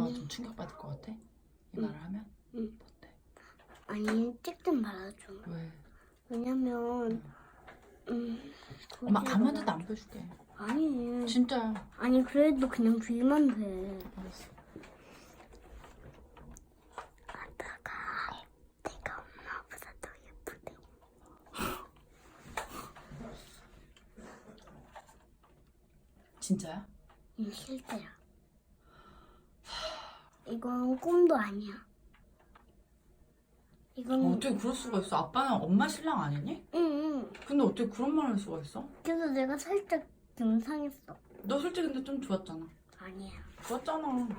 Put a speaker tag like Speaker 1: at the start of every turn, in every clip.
Speaker 1: 엄마가 좀 충격받을 것 같아? 이 말을 하면? 어때?
Speaker 2: 아니 찍 좀 말아줘.
Speaker 1: 왜?
Speaker 2: 왜냐면
Speaker 1: 엄마 아무한테도 안 보여줄게.
Speaker 2: 아니
Speaker 1: 진짜야.
Speaker 2: 아니 그래도 그냥 빌면 돼.
Speaker 1: 알았어.
Speaker 2: 아빠가 내가 엄마보다 더 예쁘대.
Speaker 1: 진짜야?
Speaker 2: 실제야. 이건 꿈도 아니야. 이건
Speaker 1: 어떻게 그럴 수가 있어? 아빠는 엄마 신랑 아니니?
Speaker 2: 응.
Speaker 1: 근데 어떻게 그런 말을 할 수가 있어?
Speaker 2: 그래서 내가 살짝 좀 상했어.
Speaker 1: 너 솔직히 근데 좀 좋았잖아.
Speaker 2: 아니야.
Speaker 1: 좋았잖아.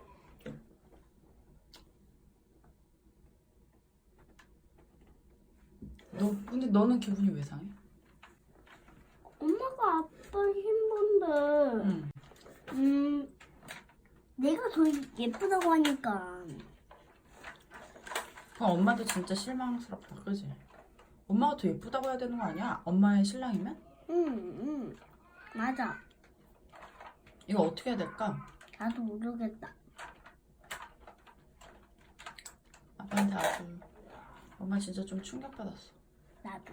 Speaker 1: 근데 너는 기분이 왜 상해?
Speaker 2: 엄마가 아빠 힘든데.
Speaker 1: 응.
Speaker 2: 내가 더 예쁘다고 하니까.
Speaker 1: 그럼 엄마도 진짜 실망스럽다, 그지? 엄마가 더 예쁘다고 해야 되는 거 아니야? 엄마의 신랑이면?
Speaker 2: 응. 맞아.
Speaker 1: 이거 어떻게 해야 될까?
Speaker 2: 나도 모르겠다.
Speaker 1: 아빠한테 아주 엄마 진짜 좀 충격받았어.
Speaker 2: 나도.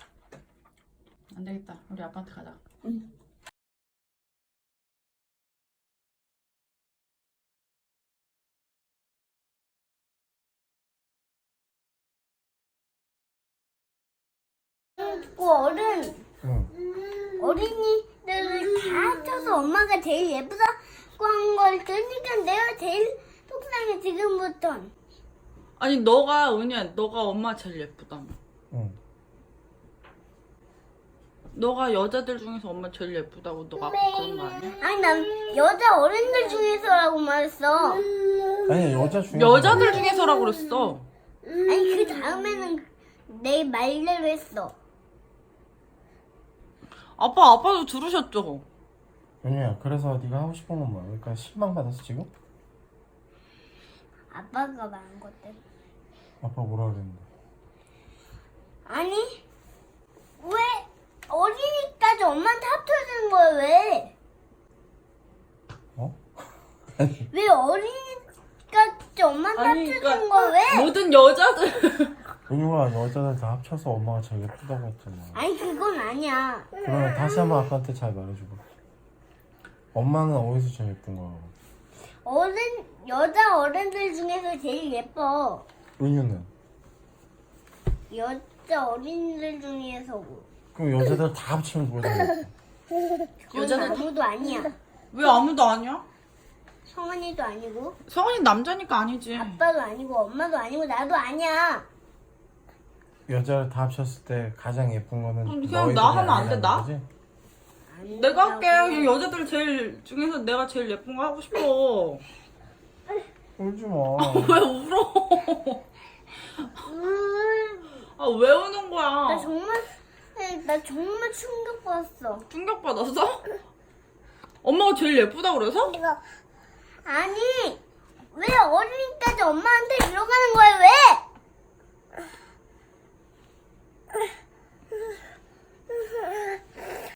Speaker 1: 안 되겠다. 우리 아빠한테 가자.
Speaker 2: 응. 어린이들을 다 합쳐서 엄마가 제일 예쁘다고 한 걸 들으니까 내가 제일 속상해 지금부터.
Speaker 1: 아니 너가 엄마 제일 예쁘다며.
Speaker 3: 응.
Speaker 1: 너가 여자들 중에서 엄마 제일 예쁘다고 너가 아까 그런 거 아니야?
Speaker 2: 아니 난 여자 어른들 중에서라고 말했어.
Speaker 3: 아니 여자 중에
Speaker 1: 여자들 중에서라고 그랬어.
Speaker 2: 아니 그 다음에는 내 말대로 했어.
Speaker 1: 아빠도 들으셨죠?
Speaker 3: 윤희야, 그래서 네가 하고 싶은 건 뭐야? 그러니까 실망 받았어 지금?
Speaker 2: 아빠가 말한 것 때문에.
Speaker 3: 아빠 뭐라 그랬는데?
Speaker 2: 아니 왜 어린이까지 엄마한테 합쳐지는 거야 왜?
Speaker 3: 어?
Speaker 2: 왜 어린이까지 엄마한테
Speaker 1: 아니,
Speaker 2: 합쳐지는
Speaker 1: 그러니까
Speaker 2: 거야 왜?
Speaker 1: 모든 여자들
Speaker 3: 윤희가 여자들 다 합쳐서 엄마가 제일 예쁘다고 했잖아.
Speaker 2: 아니 그건 아니야.
Speaker 3: 그러면 다시 한번 아빠한테 잘 말해줘봐. 엄마는 어디서 제일 예쁜 거야?
Speaker 2: 여자 어른들 중에서 제일 예뻐.
Speaker 3: 은유는?
Speaker 2: 여자 어린이들 중에서.
Speaker 3: 그럼 여자들 다 합치면 누가 제일 예뻐?
Speaker 2: 그건
Speaker 1: 여자들-
Speaker 2: 아무도 아니야.
Speaker 1: 왜 아무도 아니야?
Speaker 2: 성원이도 아니고
Speaker 1: 성원이 남자니까 아니지.
Speaker 2: 아빠도 아니고 엄마도 아니고 나도 아니야.
Speaker 3: 여자를 다 합쳤을 때 가장 예쁜 거는
Speaker 1: 그냥
Speaker 3: 너희들이
Speaker 1: 나 하면 안 돼,
Speaker 3: 아니라는
Speaker 1: 나?
Speaker 3: 거지?
Speaker 1: 내가 할게. 그냥 여자들 제일 중에서 내가 제일 예쁜 거 하고 싶어.
Speaker 3: 울지 마.
Speaker 1: 왜 울어? 아 왜 우는 거야?
Speaker 2: 나 정말 충격받았어.
Speaker 1: 충격받았어? 엄마가 제일 예쁘다 그래서?
Speaker 2: 아니 왜 어린이까지 엄마한테 이러가는 거야 왜?